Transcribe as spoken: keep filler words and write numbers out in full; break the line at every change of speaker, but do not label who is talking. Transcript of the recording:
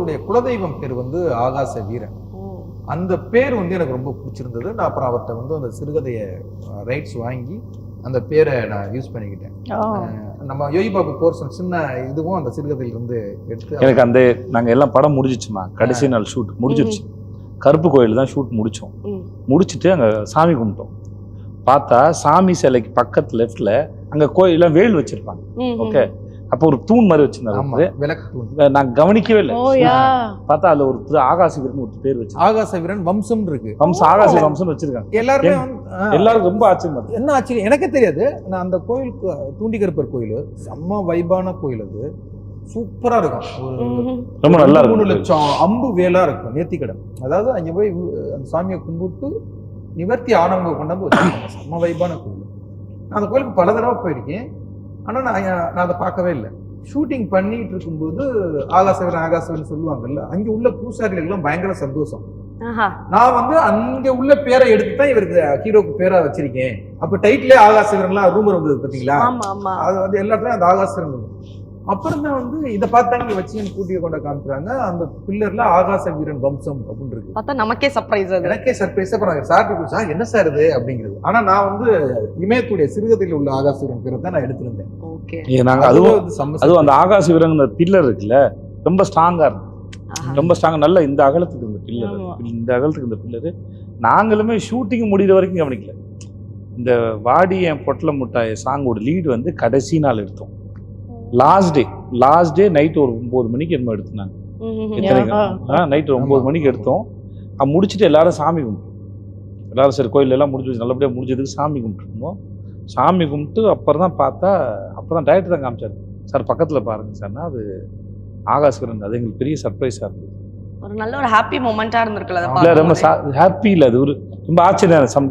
அவருடைய குலதெய்வம் பேர் வந்து ஆகாச வீரன். அந்த பேர் வந்து எனக்கு ரொம்ப பிடிச்சிருந்தது. நான் அப்புறம் அவர்கிட்ட வந்து அந்த சிறுகதையை ரைட்ஸ் வாங்கி அந்த பேரை நான் யூஸ் பண்ணிக்கிட்டேன். நம்ம யோகி பாபு போர்ஷன் சின்ன இதுவும் அந்த சிறுகதையில இருந்து எடுத்து
எனக்கு அந்த நாங்கள் எல்லாம் படம் முடிஞ்சிச்சுமா. கடைசி நாள் ஷூட் முடிஞ்சிருச்சு. கருப்பு கோயில் தான் ஷூட் முடித்தோம். முடிச்சுட்டு அங்கே சாமி கும்பிட்டோம். பார்த்தா சாமி சிலைக்கு பக்கத்து லெஃப்ட்ல அங்கே கோயிலாம் வேல் வச்சிருப்பாங்க. ஓகே, அப்போ ஒரு தூண் மாதிரி வச்சிருந்தாரு. நான் கவனிக்கவே இல்லை. பார்த்தா அதுல ஒரு ஆகாச வீரன் ஒரு பேர் வச்சு
ஆகாச வீரன் வம்சம் இருக்கு.
வம்சம் ஆகாச வம்சம் வச்சிருக்காங்க.
எல்லாருமே
எல்லாருக்கும் ரொம்ப ஆச்சரியம்.
என்ன ஆச்சரியம் எனக்கே தெரியாது. நான் அந்த கோயிலுக்கு தூண்டிகருப்பர் கோயில் செம்ம வைபான கோயில். அது சூப்பரா இருக்கும்.
ரொம்ப நல்லா இருக்கும்.
மூணு லட்சம் அம்பு வேலா இருக்கும் நேர்த்திக்கடன். அதாவது அங்க போய் அந்த சாமியை கும்பிட்டு நிவர்த்தி ஆனவங்க கொண்டாந்து வச்சிருக்காங்க. செம்ம வைபான கோயில். நான் அந்த கோயிலுக்கு பல தடவை போயிருக்கேன். ஆனால் நான் நான் அதை பார்க்கவே இல்லை. ஷூட்டிங் பண்ணிட்டு இருக்கும்போது ஆகாசவரன் ஆகாசவரன் சொல்லுவாங்கல்ல, அங்கே உள்ள பூசாரிகளுக்கெல்லாம் பயங்கர சந்தோஷம். நான் வந்து அங்க உள்ள பேரை எடுத்து தான் இவருக்கு ஹீரோக்கு பேரா வச்சிருக்கேன். அப்ப டைட்டிலே ஆகாசவரன்லாம் ரூமர் வந்தது பார்த்தீங்களா? அது வந்து எல்லா இடத்துலயும் அந்த ஆகாசவரன். அப்புறம் தான் வந்து இதை பார்த்தாங்க வச்சு கூட்டிய கொண்ட காமிக்கிறாங்க. அந்த பில்லர்ல ஆகாச வீரன் வம்சம் அப்படின்னு இருக்கு.
பார்த்தா நமக்கே சர்ப்ரைஸ். எனக்கே
சர்ப்ரைஸ். அப்புறம் சார் சார் என்ன சார் இது அப்படிங்கிறது. ஆனா நான் வந்து இமயத்துடைய சிறுகதையில் உள்ள ஆகாச வீரன் பேரை தான் நான் எடுத்திருந்தேன்.
நாங்க அதுவும் அதுவும் அந்த ஆகாச வீரன் பில்லர் இருக்குல்ல, ரொம்ப ஸ்ட்ராங்கா இருக்கும். ரொம்ப ஸ்ட்ராங்கா நல்ல இந்த அகலத்துக்கு இந்த பில்லர், இந்த அகலத்துக்கு இந்த பில்லரு நாங்களுமே ஷூட்டிங் முடிகிற வரைக்கும் கவனிக்கல. இந்த வாடி என் பொட்டல முட்டாய் சாங்கோட லீடு வந்து கடைசி நாள் எடுத்தோம். Last day last day night ஒரு ஒன்பது மணிக்கு என்னமோ எடுத்தாங்க. எத்தனை நைட்டு ஒன்பது மணிக்கு எடுத்தோம். முடிச்சுட்டு எல்லாரும் சாமி கும்பிட்டோம். எல்லாரும் சரி கோயில் எல்லாம் முடிஞ்சு நல்லபடியாக முடிஞ்சதுக்கு சாமி கும்பிட்டுருந்தோம். சாமி கும்பிட்டு அப்புறம் தான் பார்த்தா அப்போ தான் டைரக்டர் தான் காமிச்சாரு. சார் பக்கத்தில் பாருங்க சார்னா அது ஆகாசவரன். அது எங்களுக்கு பெரிய சர்ப்ரைஸாக இருந்தது.
ஒரு நல்ல ஒரு ஹாப்பி மொமெண்ட்டாக இருந்திருக்குல்ல.
ரொம்ப ஹாப்பி இல்லை, அது ஒரு ரொம்ப ஆச்சரியம்.